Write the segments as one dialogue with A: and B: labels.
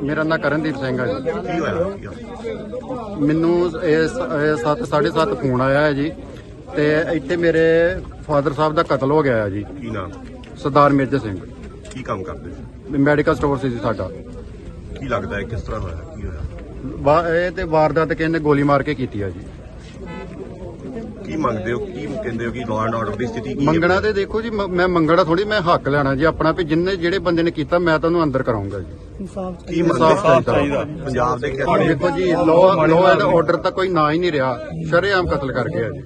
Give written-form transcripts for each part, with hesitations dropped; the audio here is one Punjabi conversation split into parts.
A: ਮੇਰਾ ਨਾਂ ਕਰਨਦੀਪ ਸਿੰਘ ਹੈ ਜੀ।
B: ਕੀ ਹੋਇਆ?
A: ਮੈਨੂੰ 7:30 ਫੋਨ ਆਇਆ ਹੈ ਜੀ ਤੇ ਇੱਥੇ ਮੇਰੇ ਫਾਦਰ ਸਾਹਿਬ ਦਾ ਕਤਲ ਹੋ ਗਿਆ ਹੈ ਜੀ।
B: ਕੀ ਨਾਮ?
A: ਸਰਦਾਰ ਮੇਜਰ ਸਿੰਘ।
B: ਕੀ ਕੰਮ ਕਰਦੇ ਸੀ?
A: ਮੈਡੀਕਲ ਸਟੋਰ ਸੀ ਜੀ ਸਾਡਾ।
B: ਕੀ ਲੱਗਦਾ ਹੈ ਕਿਸ ਤਰ੍ਹਾਂ ਹੋਇਆ? ਕੀ ਹੋਇਆ?
A: ਇਹ ਤੇ ਵਾਰਦਾਤ ਕਿਸੇ ਨੇ ਗੋਲੀ ਮਾਰ ਕੇ ਕੀਤੀ ਆ ਜੀ।
B: ਕੀ ਮੰਗਦੇ ਹੋ? ਕੀ ਕਹਿੰਦੇ ਹੋ ਕਿ ਲਾਅ ਐਂਡ ਆਰਡਰ ਦੀ ਸਥਿਤੀ ਕੀ ਹੈ?
A: ਮੰਗਣਾ ਤੇ ਦੇਖੋ ਜੀ, ਮੈਂ ਮੰਗਣਾ ਥੋੜੀ, ਮੈਂ ਹੱਕ ਲੈਣਾ ਜੀ ਆਪਣਾ ਵੀ ਜਿਹੜੇ ਬੰਦੇ ਨੇ ਕੀਤਾ ਮੈਂ ਤੁਹਾਨੂੰ ਅੰਦਰ ਕਰਾਉਂਗਾ ਜੀ।
B: ਕੀ ਇਨਸਾਫ ਚਾਹੀਦਾ ਪੰਜਾਬ ਦੇ ਖੇਤਰ
A: ਦੇਖੋ ਜੀ, ਲਾਅ ਐਂਡ ਆਰਡਰ ਤਾਂ ਕੋਈ ਨਾ ਹੀ ਨਹੀਂ ਰਿਹਾ, ਸ਼ਰੇਆਮ ਕਤਲ ਕਰ ਗਿਆ ਜੀ।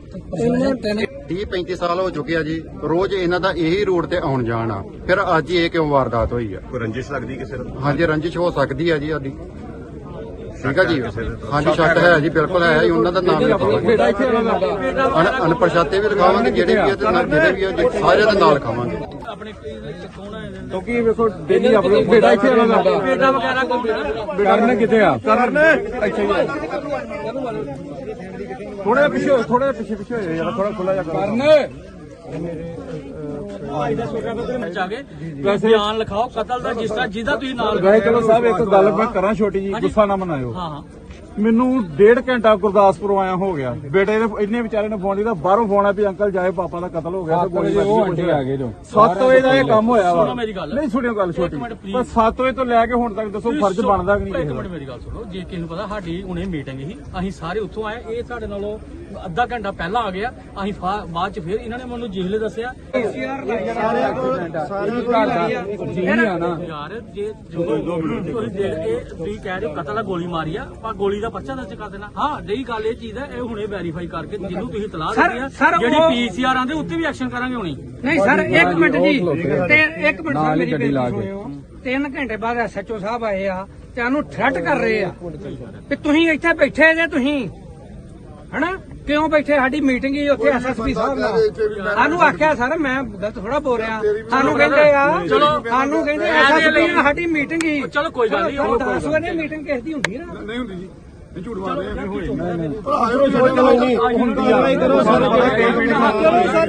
A: 30-35 ਸਾਲ ਹੋ ਚੁੱਕੇ ਆ ਜੀ, ਰੋਜ਼ ਇਹਨਾਂ ਦਾ ਇਹੀ ਰੂਟ ਤੇ ਆਉਣ ਜਾਣ ਆ, ਫਿਰ ਅੱਜ ਇਹ ਕਿਉਂ ਵਾਰਦਾਤ ਹੋਈ ਆ?
B: ਕੋਈ ਰੰਜਿਸ਼ ਲੱਗਦੀ ਕਿਸੇ ਨੂੰ?
A: ਹਾਂਜੀ, ਰੰਜਿਸ਼ ਹੋ ਸਕਦੀ ਹੈ ਜੀ ਸਾਡੀ। ਠੀਕ ਆ ਜੀ, ਹਾਂਜੀ ਸ਼ੱਕ ਹੈ ਜੀ, ਬਿਲਕੁਲ ਹੈ ਜੀ। ਉਹਨਾਂ ਦਾ ਨਾਮ ਲਿਖਾਵਾਂਗੇ, ਅਨਪਛਾਤੇ ਵੀ ਲਿਖਾਵਾਂਗੇ, ਜਿਹੜੇ ਵੀ ਆ ਤੇ ਜਿਹੜੇ ਵੀ ਆ ਜੀ, ਸਾਰਿਆਂ ਦੇ ਨਾਲ ਲਿਖਾਵਾਂਗੇ।
C: ਕਿਉਂਕਿ ਵੇਖੋ ਡੇਲੀ ਆਪਣੇ ਬੇਟਾ ਇੱਥੇ ਆਉਣਾ ਲੱਗਦਾ, ਬੇਟਾ ਵਗੈਰਾ ਕੋਈ ਕਰਨ ਕਿੱਥੇ ਆ? ਕਰਨ ਇੱਥੇ ਹੀ ਥੋੜਾ ਪਿੱਛੇ ਹੋ ਯਾਰ, ਥੋੜਾ ਖੁੱਲਾ ਜਾ ਕਰਨ।
D: ਬਿਆਨ ਲਿਖਾਓ ਕਤਲ ਦਾ, ਜਿਸ ਤਰ੍ਹਾਂ ਜਿਹਦਾ ਤੁਸੀਂ ਨਾਲ
C: ਗਏ। ਚਲੋ ਸਾਹਿਬ ਇੱਕ ਗੱਲ ਮੈਂ ਕਰਾਂ ਛੋਟੀ ਜੀ, ਗੁੱਸਾ ਨਾ ਮਨਾਇਓ। ਮੈਨੂੰ 1.5 ਘੰਟਾ ਗੁਰਦਾਸਪੁਰ ਆਇਆ ਹੋ ਗਿਆ, ਬੇਟੇ ਨੇ ਇੰਨੇ ਵਿਚਾਰੇ ਨੇ ਫੋਨ ਕੀਤਾ, ਬਾਹਰੋਂ ਫੋਨ ਆ ਵੀ ਅੰਕਲ ਜਾਏ ਪਾਪਾ ਦਾ ਕਤਲ ਹੋ ਗਿਆ ਤੇ ਗੋਲੀ ਮਾਰੀ ਆ ਗਏ ਜੋ 7 ਵਜੇ ਦਾ ਇਹ ਕੰਮ ਹੋਇਆ ਵਾ। ਨਹੀਂ ਸੁਣਿਓ ਗੱਲ ਛੋਟੀ, ਪਰ 7 ਵਜੇ ਤੋਂ ਲੈ ਕੇ ਹੁਣ ਤੱਕ ਦੱਸੋ ਫਰਜ਼ ਬਣਦਾ ਕਿ ਨਹੀਂ?
D: ਇੱਕ ਮਿੰਟ ਮੇਰੀ ਗੱਲ ਸੁਣੋ, ਜੇ ਕਿਸੇ ਨੂੰ ਪਤਾ ਸਾਡੀ ਹੁਣੇ ਮੀਟਿੰਗ ਸੀ, ਅਸੀਂ ਸਾਰੇ ਉੱਥੋਂ ਆਏ, ਇਹ ਸਾਡੇ ਨਾਲੋਂ ਅੱਧਾ ਘੰਟਾ ਪਹਿਲਾਂ ਆ ਗਿਆ, ਅਸੀਂ ਬਾਅਦ ਚ ਫਿਰ ਇਹਨਾਂ ਨੇ ਮੈਨੂੰ ਜੇਲੇ ਦੱਸਿਆ ਯਾਰ, ਜੇ ਤੁਸੀਂ ਕਹਿ ਰਹੇ ਹੋ ਕਤਲ ਦਾ ਗੋਲੀ ਮਾਰੀ ਆ, ਆਪਾਂ ਗੋਲੀ ਦਾ ਪਰਚਾ ਦਰਜ ਕਰ ਦੇਣਾ। ਹਾਂ ਰਹੀ ਗੱਲ ਇਹ ਚੀਜ਼ ਹੈ, ਇਹ ਹੁਣੇ ਵੈਰੀਫਾਈ ਕਰਕੇ ਜਿਹਨੂੰ ਤੁਸੀਂ ਤਲਾਹ ਦਿੱਤੀ ਆ, ਜਿਹੜੀ ਪੀਸੀਆਰ ਆਂਦੇ ਉੱਤੇ ਵੀ ਐਕਸ਼ਨ ਕਰਾਂਗੇ ਹੁਣੀ।
E: ਨਹੀਂ ਸਰ, ਇੱਕ ਮਿੰਟ ਜੀ, ਤੇ ਇੱਕ ਮਿੰਟ ਸਰ ਮੇਰੀ ਬੇਨਤੀ ਸੁਣਿਓ। 3 ਘੰਟੇ ਬਾਅਦ ਐਸਐਚਓ ਸਾਹਿਬ ਆਏ ਆ ਤੇ ਉਹਨੂੰ ਥ੍ਰੈਟ ਕਰ ਰਹੇ ਆ ਕਿ ਤੁਸੀਂ ਇੱਥੇ ਬੈਠੇ ਜੇ, ਤੁਸੀਂ ਹਨਾ ਕਿਉਂ ਬੈਠੇ? ਸਾਡੀ ਮੀਟਿੰਗ ਹੀ ਉੱਥੇ ਐਸਐਸਪੀ ਸਾਹਿਬ ਨਾਲ, ਸਾਨੂੰ ਆਖਿਆ ਸਰ, ਮੈਂ ਗਲਤ ਥੋੜਾ ਬੋਲ ਰਿਹਾ, ਸਾਨੂੰ ਕਹਿੰਦੇ ਆ, ਸਾਨੂੰ ਕਹਿੰਦੇ ਐਸਐਸਪੀ ਨਾਲ ਸਾਡੀ ਮੀਟਿੰਗ ਹੀ।
D: ਚਲੋ ਕੋਈ ਗੱਲ ਨਹੀਂ,
E: 10 ਵਜੇ ਮੀਟਿੰਗ ਕਿਸ ਦੀ ਹੁੰਦੀ ਨਾ?
C: ਨਹੀਂ ਹੁੰਦੀ ਜੀ, ਝੂਠ ਮਾਰਦੇ ਆ।
E: ਹੁੰਦੀ ਆ।